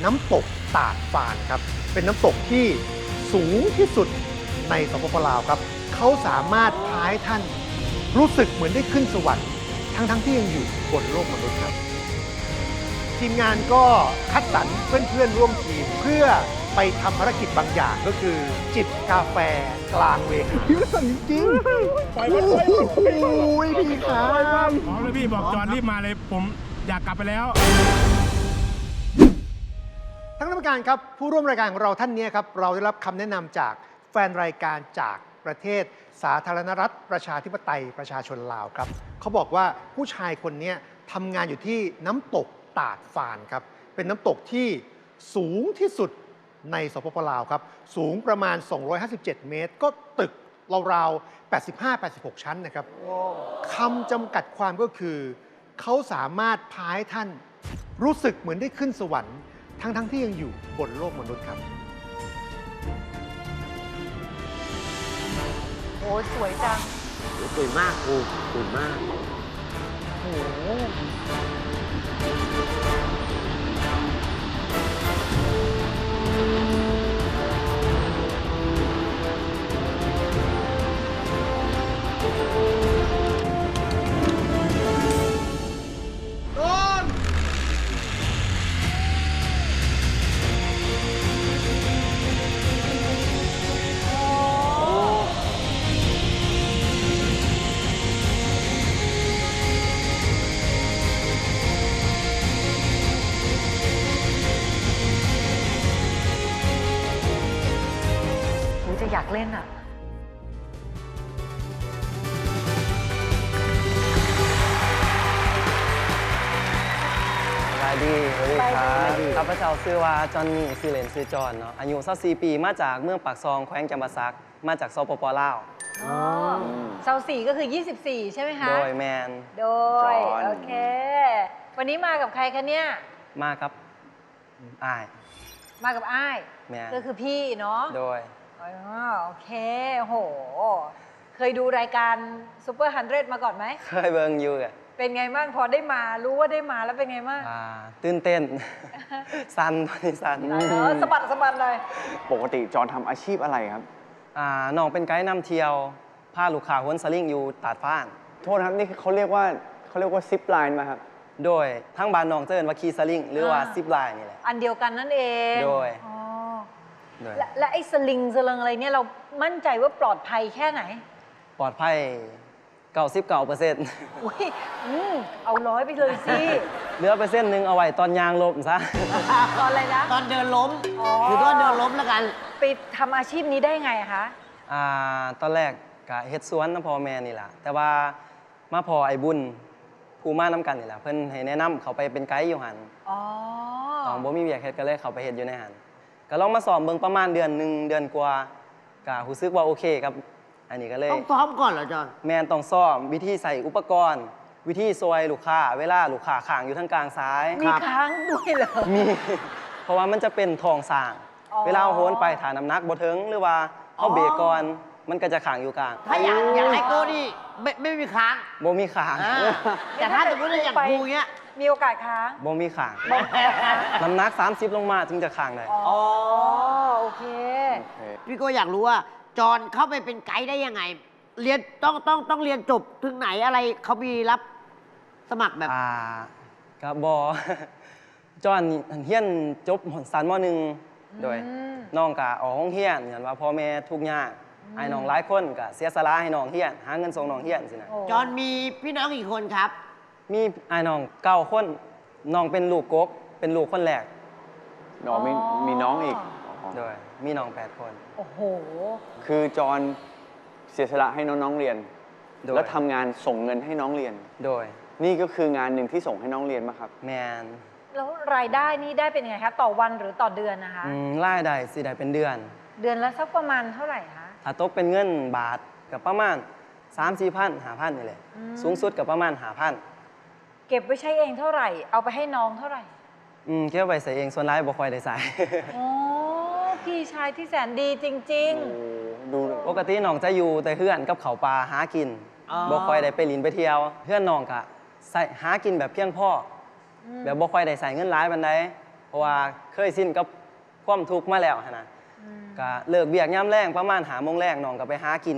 น้ำตกตาดฟานครับเป็นน้ำตกที่สูงที่สุดในสปปลาวครับเขาสามารถพาให้ท่านรู้สึกเหมือนได้ขึ้นสวรรค์ทั้งที่ยังอยู่บนโลกมนุษย์ครับทีมงานก็คัดสรรเพื่อนๆร่วมทีมเพื่อไปทำภารกิจบางอย่างก็คือจิบกาแฟกลางเวทีพี่สั่นจริงๆโอ้ยพี่ครับอ๋อแล้วพี่บอกจอห์นรีบมาเลยผมอยากกลับไปแล้วทั้งกรรมการครับผู้ร่วมรายการของเราท่านนี้ครับเราได้รับคำแนะนำจากแฟนรายการจากประเทศสาธารณรัฐประชาธิปไตยประชาชนลาวครับเขาบอกว่าผู้ชายคนนี้ทำงานอยู่ที่น้ำตกตาดฟานครับเป็นน้ำตกที่สูงที่สุดในสปปลาวครับสูงประมาณ 257 เมตร ก็ตึกราวๆ 85-86 ชั้นนะครับคำจำกัดความก็คือเขาสามารถพาให้ท่านรู้สึกเหมือนได้ขึ้นสวรรค์ทั้งที่ยังอยู่บนโลกมนุษย์ครับโอ้สวยจังสวยมากครูสวยมากโอ้โห โหจะอยากเล่นอ่ะสวัสดีคสรัวัสดีบข้าพเจ้าชื่อว่าจอห์นนี่ชื่อเล่นชื่อจอห์นเนาะอายุ24 ปีมาจากเมืองปากซองแขวงจำปาสักมาจากสปปลาวอ๋อเสาสี่ก็คือ 24 ใช่ไหมคะโดยแมนโดย โอเค วันนี้มากับใครคะเนี่ยมาครับอ้ายมากับอ้ายแม่นก็คือพี่เนาะโดยอ๋อโอเค โห เคยดูรายการซูเปอร์100มาก่อนไหมเคยเบิ่งอยู่อะเป็นไงบ้างพอได้มา รู้ว่าได้มาแล้วเป็นไงบ้างตื่นเต้น สันตอนนี้สันสะบัดสะบัดเลยปกติจอห์นทำอาชีพอะไรครับน้องเป็นไกด์นำเที่ยวพาลูกค้าวนสลิงอยู่ตาดฟ้านโทษนะครับนี่เขาเรียกว่าซิปไลน์มาครับโดยทั้งบ้านน้องเจินว่าขี่สลิงหรือว่าซิปไลน์นี่แหละอันเดียวกันนั่นเองโดยอ๋อโดยและไอ้สลิงสลิงอะไรเนี่ยเรามั่นใจว่าปลอดภัยแค่ไหนปลอดภัย99% อุ้ยเอาร้อยไปเลยสิเหลือไปเส้นหนึ่งเอาไว้ตอนยางลบซะตอนอะไรนะตอนเดินล้มอ๋อคือตอนเดินล้มแล้วกันไปทำอาชีพนี้ได้ไงอะคะตอนแรกก็เฮ็ดสวนน้ำพ่อแม่นี่แหละแต่ว่ามาพอไอ้บุญผู้มาน้ำกันนี่แหละเพิ่นให้แนะนำเขาไปเป็นไกด์อยู่หันอ๋อตองบ่มีเวียกเฮ็ดก็เลยเขาไปเฮ็ดอยู่ในหันก็ลองมาสอบเบิ่งประมาณเดือนหนึ่งเดือนกว่าก็รู้สึกว่าโอเคครับอันนี้ก็เลยต้องซ้อมก่อนเหรอจอนแม่นต้องซ่อมวิธีใส่อุปกรณ์ วิธีซอยลูกค้าเวลาลูกค้าข้างอยู่ทางกลางซ้ายมีค้างด้วยเหรอมี เพราะว่ามันจะเป็นทองสร้างอ๋อเวลาโหนไปฐานน้ำหนักบ่ถึงหรือว่าเขาเบรกก่อนมันก็จะขังอยู่กลางถ้าอยากให้โก้นี่ไม่มีค้างบ่มีขางแต่ถ้าสมมติว่าอย่างครูเงี้ยมีโอกาสค้างบ่มีขาง น้ำหนัก 30 ลงมาถึงจะขางได้อ๋อ โอเคพี่โก้อยากรู้ว่าจอนเข้าไปเป็นไกด์ได้ยังไง เรียนต้องเรียนจบถึงไหนอะไรเขามีรับสมัครแบบก็บ่ จอนเฮียนจบสันม .1 โดยอืมน้องก็ออกโรงเรียนย้อนว่าพ่อแม่ทุกข์ยากไอ้น้องหลายคนก็เสียสละให้น้องเฮียนหาเงินส่งน้องเฮียนสินะโอ้จอนมีพี่น้องกี่คนครับมีไอ้น้อง9 คนน้องเป็นลูกกกเป็นลูกคนแรกน้องมีน้องอีกโดยมีน้อง8 คนโอ้โหคือจอห์นเสียสละให้น้องๆเรียนโดยแล้วทำงานส่งเงินให้น้องเรียนโดยนี่ก็คืองานหนึ่งที่ส่งให้น้องเรียนมาครับแมนแล้วรายได้นี่ได้เป็นไงคะ ต่อวันหรือต่อเดือนนะคะรายได้สิได้เป็นเดือนเดือนละสักประมาณเท่าไหร่คะถ้าตกเป็นเงินบาทกับประมาณ 3-4 พัน5,000นี่แหละ สูงสุดกับประมาณ5,000 เก็บไว้ใช้เองเท่าไหร่ เอาไปให้น้องเท่าไหร่เก็บไว้ใส่เองส่วนร้ายบ่ค่อยได้ใส่โอ้พี่ชายที่แสนดีจริงดูปกติน้องจะอยู่แต่เพื่อนกับเขาวปลาหากินอ๋อบ่ค่อยได้ไปลินไปเที่ยว เพื่อนน้องก็ใส่หากินแบบเพียงพออแบบบ่ค่อยได้ใส่เงินหลายปานใดราะว่าเคยสิ้นกับความทุกข์มาแล้วหั้นนะก็เลิกเบียกย่ำแรงประมาณ5 โมงแรงน้องก็ไปหากิน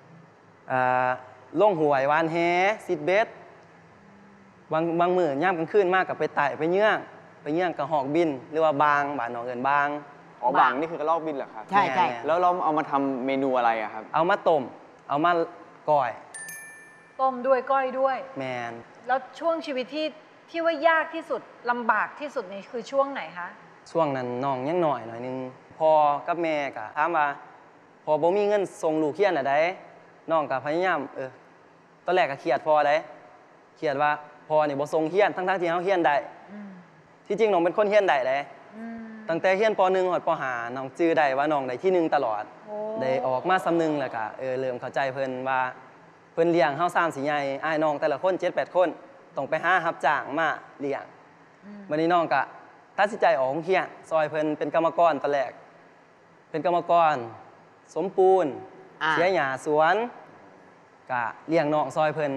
ล่งหวยวานแฮซิดเบสบางมื้อย่ำกลางคืนมากกับไปไต่ไปเยื่องกับหอกบินหรือว่าบางบ้านน้องเอิ้นบางอ๋อบางนี่คือกระรอกบินเหรอครับใช่ใช่แม่นแล้วเราเอามาทำเมนูอะไรอะครับเอามาต้มเอามาก่อยต้มด้วยก้อยด้วยแมนแล้วช่วงชีวิตที่ว่ายากที่สุดลำบากที่สุดนี่คือช่วงไหนคะช่วงนั้นน้องยังหน่อยนึงพอกับแม่ก็ถามว่าพอบ่มีเงินส่งลูกเรียนอะได้น้องก็พยายามตอนแรกก็เครียดพอได้เครียดว่าพอนี่บ่ส่งเรียนทั้งที่เฮาเรียนได้ที่จริงน้องเป็นคนเรียนได้เด้ตั้งแต่เรียนป .1 ฮอดป .5 น้องจื้อได้ว่าน้องได้ที่ 1ตลอดโอ้ได้ออกมาสำนึงแล้วก็เริ่มเข้าใจเพิ่นว่าเพิ่นเลี้ยงเฮา3 4ใหญ่อ้ายน้องแต่ละคน 7-8 คนต้องไปหารับจ้างมาเลี้ยงวันนี้น้องก็ตัดสินใจออกโรงเรียนซอยเพิ่นเป็นกรรมกรตอนแรกเป็นกรรมกรสมปูนเสียหญ้าสวนก็เลี้ยงน้องซอยเพิ่น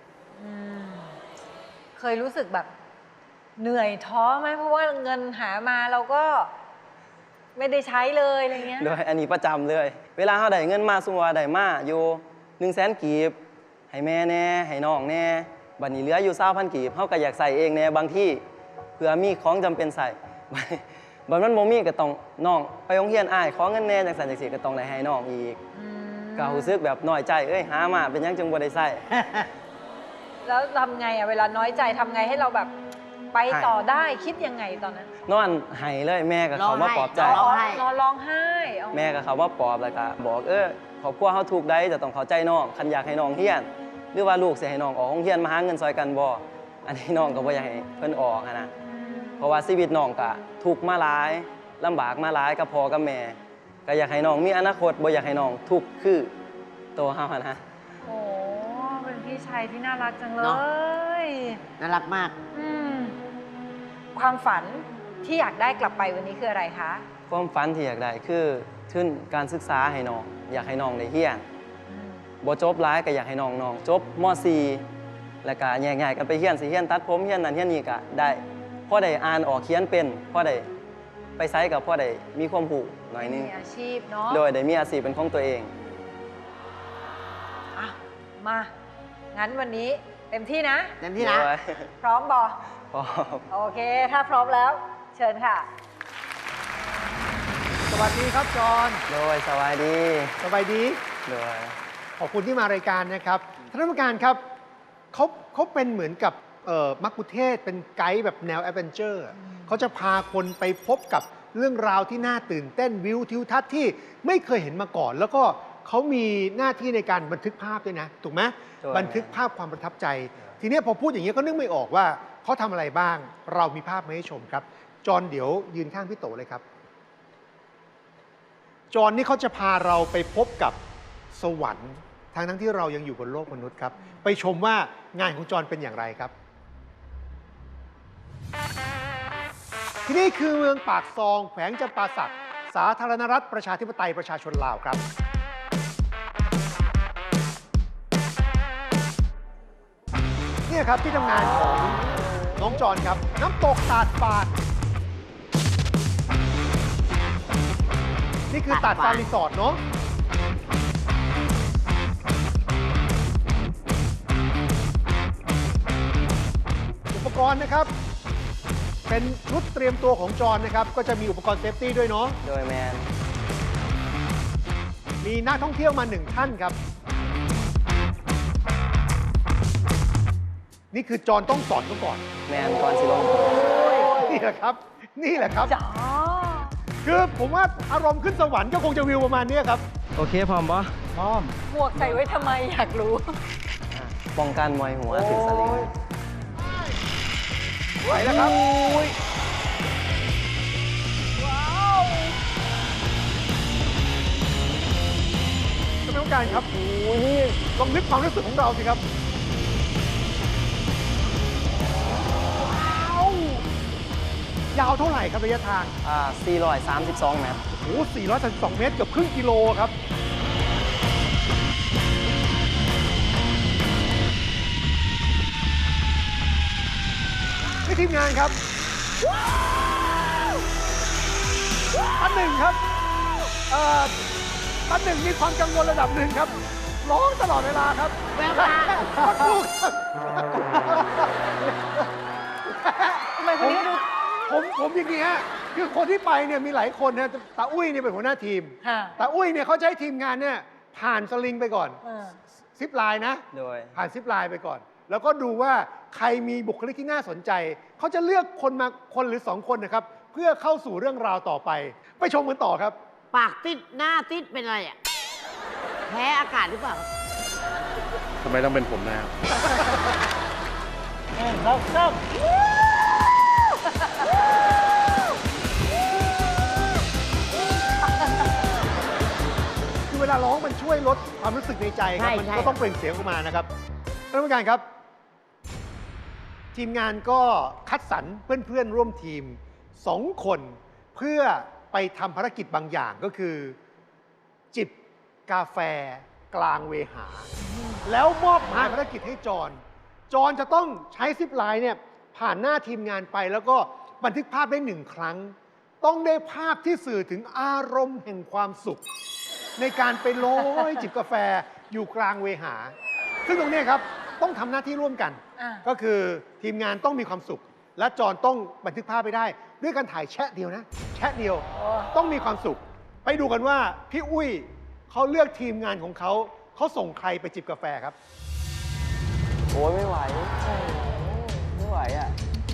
เคยรู้สึกแบบเหนื่อยท้อไหมเพราะว่าเงินหามาเราก็ไม่ได้ใช้เลยอะไรเงี้ยโดยอันนี้ประจำเลย เวลาเขาได้เงินมาสมมุติว่าได้มาอยู่100,000 กีบให้แม่แน่ให้น้องแน่บัดนี้เหลืออยู่20,000 กีบเขาก็อยากใส่เองแน่บางที่เพื่อมีของจำเป็นใส่ บัดมันบ่มีก็ต้องน้องไปโรงเรียนอ้ายขอเงินแน่จังซั่นจังซี่ก็ต้องได้ให้น้องอีกก็รู้สึกแบบน้อยใจหามาเป็นหยังจึงบ่ได้ใส่แล้วทำไงอะเวลาน้อยใจทำไงให้เราแบบไปต่อได้คิดยังไงตอนนั้นนอนไห้เลยแม่ก็เขามาปลอบใจร้องไห้นอนร้องไห้อ๋อแม่ก็เขามาปลอบแล้วก็บอกครอบครัวเขาถูกได้จะต้องเข้าใจน้องคันอยากให้น้องเรียน หรือว่าลูกสิให้น้องออกโรงเรียนมาหาเงินซอยกันบ่อันนี้น้องก็บ่อยากให้เพิ่นออกนะเพราะว่าชีวิตน้องก็ทุกข์มาหลายลำบากมาหลายกับพ่อกับแม่ก็อยากให้น้องมีอนาคตบ่อยากให้น้องทุกข์คือตัวเฮานะโอ้เป็นพี่ชายที่น่ารักจังเลเนอะยน่ารักมากความฝันที่อยากได้กลับไปวันนี้คืออะไรคะความฝันที่อยากได้คือทุนการศึกษาให้น้องอยากให้น้องได้เรียนบ่จบหลายก็อยากให้น้องจบม .4 แล้วก็แยกย้ายกันไปเรียนสิเรียนตัดผมเรียนนั่นเรียนนี่ก็ได้พอได้อ่านออกเขียนเป็นพอได้ไปไสกับพอได้มีความรู้หน่อยนึงมีอาชีพเนาะโดยได้มีอาชีพเป็นของตัวเองอ่ะมา งั้นวันนี้เต็มที่นะเต็มที่นะโดยพร้อมบอพร้อมโอเค ถ้าพร้อมแล้ว เชิญค่ะสวัสดีครับจอห์นโดยสวัสดีสบายดีโดยขอบคุณที่มารายการนะครับท่านผู้การครับเขาเป็นเหมือนกับมักคุเทศก์เป็นไกด์แบบแนวแอดเวนเจอร์เขาจะพาคนไปพบกับเรื่องราวที่น่าตื่นเต้นวิวทิวทัศน์ที่ไม่เคยเห็นมาก่อน แล้วก็เขามีหน้าที่ในการบันทึกภาพด้วยนะถูกไหมถูกบันทึกภาพความประทับใจ ทีนี้พอพูดอย่างนี้ยก็นึกไม่ออกว่าเขาทำอะไรบ้าง เรามีภาพมาให้ชมครับ จอห์นเดี๋ยวยืนข้างพี่โตเลยครับ จอห์นนี่เขาจะพาเราไปพบกับสวรรค์ทั้งที่เรายังอยู่บนโลกมนุษย์ครับ ไปชมว่างานของจอห์นเป็นอย่างไรครับ ที่นี่คือเมืองปากซองแขวงจำปาสักสาธารณรัฐประชาธิปไตยประชาชนลาวครับ เนี่ยครับที่ทำงานของน้องจอห์นครับ น้ำตกตาดฟานนี่คือตาดฟานรีสอร์ทเนาะอุปกรณ์นะครับ เป็นชุดเตรียมตัวของจอห์นนะครับ ก็จะมีอุปกรณ์เซฟตี้ด้วยเนาะโดยแมนมีนักท่องเที่ยวมา1ท่านครับ นี่คือจอห์นต้องสอนเขาก่อนแมนก่อนสิลงนี่แหละครับ นี่แหละครับจ๋อคือผมว่าอารมณ์ขึ้นสวรรค์ก็คงจะวิวประมาณนี้ครับโอเคพร้อมปะพร้อมหมวกใส่ไว้ทำไมอยากรู้ป้องกันมวยหัวถึงสลิงไหวแล้วครับท่านผู้การครับลองนึกความรู้สึกของเราสิครับ ยาวเท่าไหร่ครับระยะทาง 432 เมตรโอ้โห432 เมตรเกือบครึ่งกิโลครับ นี่ทีมงานครับหนึ่งครับตาหนึ่งมีความกังวลระดับหนึ่งครับ ร้องตลอดเวลาครับแววตาคนดูครับทำไมคนนี้ดูผมอย่างนี้ฮะคือคนที่ไปเนี่ยมีหลายคนนะตาอุ้ยเนี่ยเป็นหัวหน้าทีมค่ะตาอุ้ยเนี่ยเขาจะให้ทีมงานเนี่ยผ่านสลิงไปก่อนเออซิปไลน์นะโดยผ่านซิปไลน์ไปก่อน แล้วก็ดูว่าใครมีบุคลิกที่น่าสนใจ เขาจะเลือกคนมาคนหรือ 2 คนนะครับ เพื่อเข้าสู่เรื่องราวต่อไป ไปชมกันต่อครับปากติดหน้าติดเป็นอะไรอ่ะ แพ้อากาศหรือเปล่าทำไมต้องเป็นผมนะครับคือเวลาร้องมันช่วยลดความรู้สึกในใจครับใช่มันใช่ก็ต้องเปล่งเสียงออกมานะครับท่านผู้การครับ ทีมงานก็คัดสรรเพื่อนๆร่วมทีม 2 คน เพื่อไปทำภารกิจบางอย่างก็คือ จิบกาแฟกลางเวหา แล้วมอบหมายภารกิจให้จอนจะต้องใช้ซิปไลน์เนี่ยผ่านหน้าทีมงานไป แล้วก็บันทึกภาพได้1 ครั้ง ต้องได้ภาพที่สื่อถึงอารมณ์แห่งความสุข ในการไปโล้ยจิบกาแฟอยู่กลางเวหา ซึ่งตรงเนี้ยครับต้องทำหน้าที่ร่วมกันอ่าก็คือทีมงานต้องมีความสุข และจอนต้องบันทึกภาพไปได้ ด้วยการถ่ายแชะเดียวนะ แชะเดียว ต้องมีความสุข ไปดูกันว่าพี่อุ้ยเขาเลือกทีมงานของเขาส่งใครไปจิบกาแฟครับโอ้ยไม่ไหว ไม่ไหวอ่ะ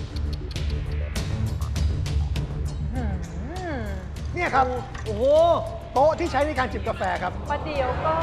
อืมเนี่ยครับโอ้โหโต๊ะที่ใช้ในการจิบกาแฟครับประเดี๋ยวก่อน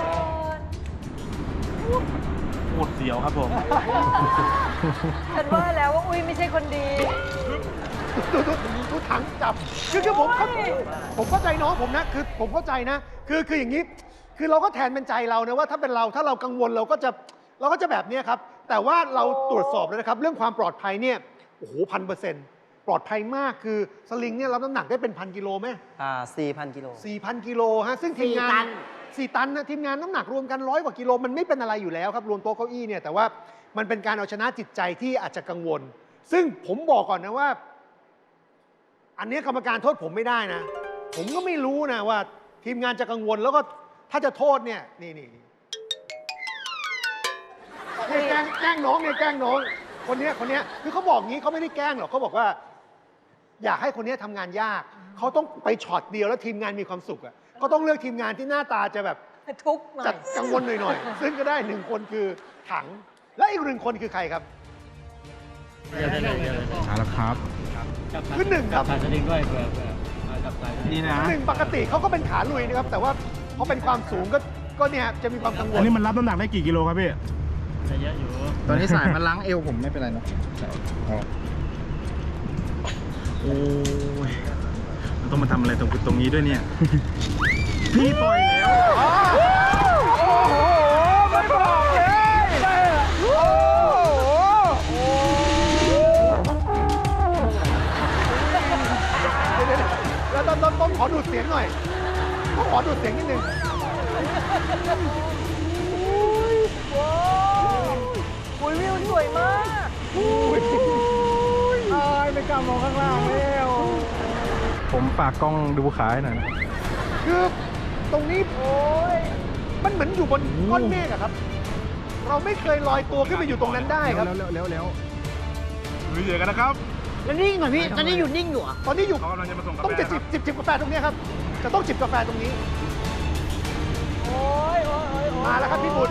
ปวดเสียวครับผมฉันว่าแล้วว่าอุ้ยไม่ใช่คนดีดูถังจับคือผมเข้าใจน้องผมนะคือผมเข้าใจนะคืออย่างนี้ คือเราก็แทนเป็นใจเรานะว่าถ้าเป็นเราถ้าเรากังวลเราก็จะแบบเนี้ยครับ แต่ว่าเราตรวจสอบแล้วนะครับ เรื่องความปลอดภัยเนี่ยโอ้โห1,000%ปลอดภัยมากคือสลิงเนี่ยรับน้ำหนักได้เป็น1,000 กิโลไหม 4,000 กิโล 4,000 กิโลฮะซึ่งทีมงาน4 ตันนะทีมงานน้ำหนักรวมกัน100 กว่ากิโลมันไม่เป็นอะไรอยู่แล้วครับรวมโต๊ะเก้าอี้เนี่ยแต่ว่ามันเป็นการเอาชนะจิตใจที่อาจจะกังวล ซึ่งผมบอกก่อนนะว่า อันนี้กรรมการโทษผมไม่ได้นะ ผมก็ไม่รู้นะว่าทีมงานจะกังวลแล้วก็ถ้าจะโทษเนี่ยนี่แกล้งน้องเนี่ยแกล้งน้องคนเนี้ยคือเขาบอกงี้เขาไม่ได้แกล้งหรอกเขาบอกว่า อยากให้คนเนี้ยทำงานยากเขาต้องไปช็อตเดียวแล้วทีมงานมีความสุขอ่ะก็ต้องเลือกทีมงานที่หน้าตาจะแบบทุกข์หน่อจัยดกังวลหน่อยๆ ซึ่งก็ได้1 คนคือถัง และอีก1 คนคือใครครับเอาละครับคือ1ครับนี่นะ 1ปกติเขาก็เป็นขาลุยนะครับ แต่ว่าพอเป็นความสูงก็เนี่ยจะมีความกังวอัลนนี้มันรับน้ำหนักได้กี่กิโลครับพี่ตอนนี้สายมันล้างเอวผมไม่เป็นไรเนาะโอ้ยมันต้องมาทำอะไรตรงนี้ด้วยเนี่ย พี่ปล่อยแล้วโอ้โหไม่บอกเลยโอ้โหแล้วต้องขอดูดเสียงหน่อยต้องขอดูดเสียงนิดนึงอุ้ยวิวสวยมากไม่กล้ามองข้างล่างแล้ว ผมฝากกล้องดูขาให้หน่อยนะคือตรงนี้มันเหมือนอยู่บนก้อนเมฆอะครับ เราไม่เคยลอยตัวขึ้นไปอยู่ตรงนั้นได้ครับแล้วลุยเดือกันนะครับแล้วนิ่งเหรอพี่ ตอนนี้อยู่นิ่งอยู่เหรอตอนนี้อยู่เขากำลังจะมาส่งกาแฟต้องจะครับจิบกาแฟตรงนี้ครับ จะต้องจิบกาแฟตรงนี้โอ้ยมาแล้วครับพี่บุญ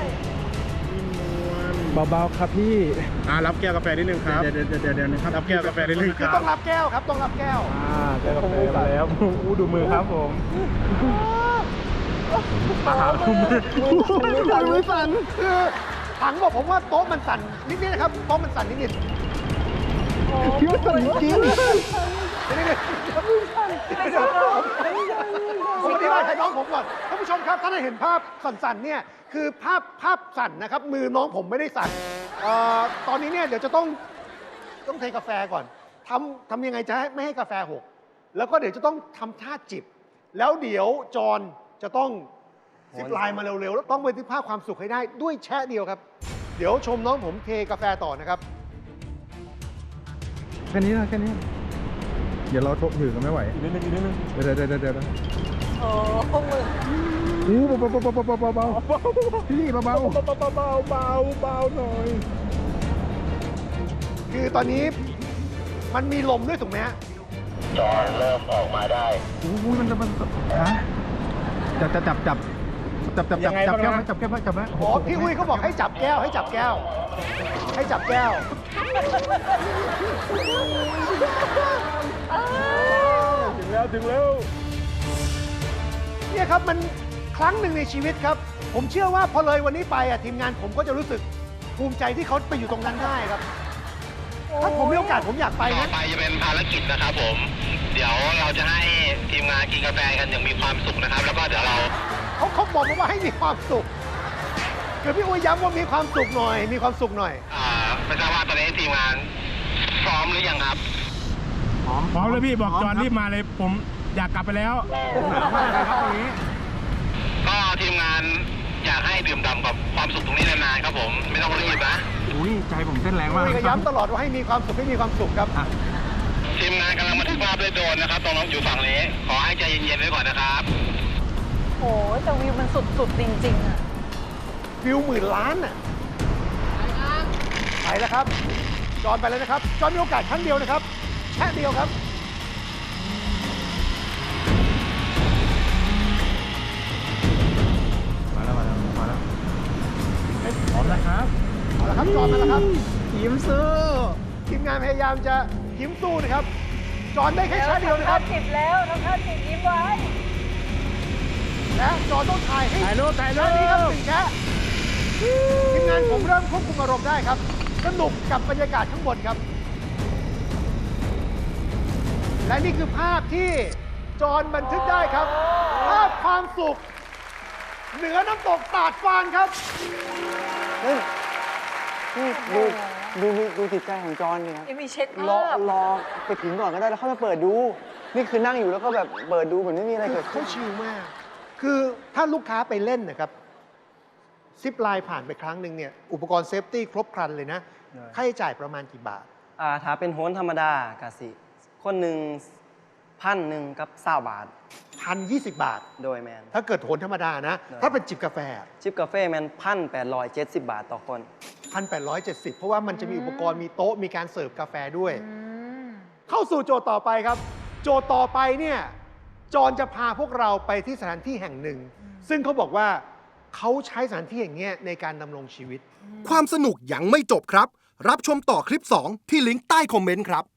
เบาๆครับพี่รับแก้วกาแฟนิดนึงครับ เดี๋ยวนะครับรับแก้วกาแฟนิดนึงคคือรับต้องรับแก้วครับ ต้องรับแก้วแก้วกาแฟมาแล้วอู้ดูมือครับผมมือสั่นคือถังบอกผมว่าโต๊ะมันสั่นนิดๆนะครับ โต๊ะมันสั่นนิดๆพี่ว่าสั่นจริงผมอธิบายให้น้องผมก่อนท่านผู้ชมครับถ้าได้เห็นภาพสั่นๆเนี่ยคือภาพสั่นนะครับ มือน้องผมไม่ได้สั่นตอนนี้เนี่ยเดี๋ยวจะต้องเทกาแฟก่อนทำยังไงจะไม่ให้กาแฟหกแล้วก็เดี๋ยวจะต้องทำท่าจิบ แล้วเดี๋ยวจอนจะต้องซิปไลน์มาเร็วๆแล้วต้องบันทึกภาพความสุขให้ได้ด้วยแชะเดียวครับ เดี๋ยวชมน้องผมเทกาแฟต่อนะครับแค่นี้นะแค่นี้เดี๋ยวเราถือกันไม่ไหวอีกนิดนึงอีกนิดนึงเดี๋ยวโอ้มืออู้เบาพี่เบาเบาหน่อยคือตอนนี้มันมีลมด้วยถูกไหมฮะอู้มันฮะจับแก้วไหมอ๋อพี่อุ้ยเขาบอกให้จับแก้วให้จับแก้ว ให้จับแก้วถึงแล้วเนี่ยครับมันครั้งหนึ่งในชีวิตครับ ผมเชื่อว่าพอเลยวันนี้ไปอ่ะทีมงานผมก็จะรู้สึกภูมิใจที่เขาไปอยู่ตรงนั้นได้ครับ ถ้าผมมีโอกาสผมอยากไปต่อนะไปจะเป็นภารกิจนะครับผม เดี๋ยวเราจะให้ทีมงานกินกาแฟกันอย่างมีความสุขนะครับ แล้วก็เดี๋ยวเราเขาบอกมาว่าให้มีความสุขคือพี่อุ้ยย้ำว่ามีความสุขหน่อย มีความสุขหน่อยไม่ทราบว่าตอนนี้ทีมงานพร้อมหรือยังครับพร้อมเลยพี่บอกจอนรีบมาเลยผมอยากกลับไปแล้วก็ทีมงานอยากให้ดื่มด่ำกับความสุขตรงนี้นานๆครับผม ไม่ต้องรีบนะอุ้ยใจผมเต้นแรงมากอุ้ยก็ย้ำตลอดว่าให้มีความสุขให้มีความสุขครับทีมงานกำลังบันทึกภาพด้วยโดรนนะครับ ตรงนั้นอยู่ฝั่งนี้ ขอให้ใจเย็นๆไว้ก่อนนะครับโอ้ยแต่วิวมันสุดๆจริงๆอ่ะวิว10,000 ล้านน่ะไปแล้วครับ จอนไปแล้วนะครับ จอนมีโอกาสครั้งเดียวนะครับ แค่เดียวครับมาแล้วพร้อมนะครับเอาละครับ จอนมาแล้วครับยิ้มซื้อทีมงานพยายามจะยิ้มสู้นะครับ จอนได้แค่แค่เดียวนะครับทำท่าจิบแล้วทำท่าจิบยิ้มไว้และจอนต้องถ่ายให้ถ่ายรูปแค่นี้ครับ1แค่ทีมงานผมเริ่มควบคุมอารมณ์ได้ครับ สนุกกับบรรยากาศข้างบนครับ และนี่คือภาพที่จอนบันทึกได้ครับ ภาพความสุข เหนือน้ำตกตาดฟานครับนี่ดูจิตใจของจอนเนี่ยยังมีเช็ครอภาพรอไปถึงก่อนก็ได้แล้วค่อยมาเปิดดู นี่คือนั่งอยู่แล้วก็แบบเปิดดูเหมือนไม่มีอะไรเกิดขึ้เขานชิลมาก คือถ้าลูกค้าไปเล่นนะครับ ซิปไลน์ผ่านไปครั้งหนึ่งเนี่ย อุปกรณ์เซฟตี้ครบครันเลยนะ ค่าใช้จ่ายประมาณกี่บาทถ้าเป็นโหนธรรมดากะสิ คนหนึ่ง1,000กับ20 บาท 1,020 บาทโดยแมนถ้าเกิดโหนธรรมดานะได้ถ้าเป็นจิบกาแฟชิปกาแฟแมน1,870 บาทต่อคน 1,870 เพราะว่ามันจะมีอุปกรณ์มีโต๊ะมีการเสิร์ฟกาแฟด้วย เข้าสู่โจทย์ต่อไปครับ โจทย์ต่อไปเนี่ยจอนจะพาพวกเราไปที่สถานที่แห่งหนึ่ง ซึ่งเขาบอกว่าเขาใช้สถานที่อย่างเงี้ยในการดำรงชีวิตความสนุกยังไม่จบครับ รับชมต่อคลิป 2 ที่ลิงก์ใต้คอมเมนต์ครับ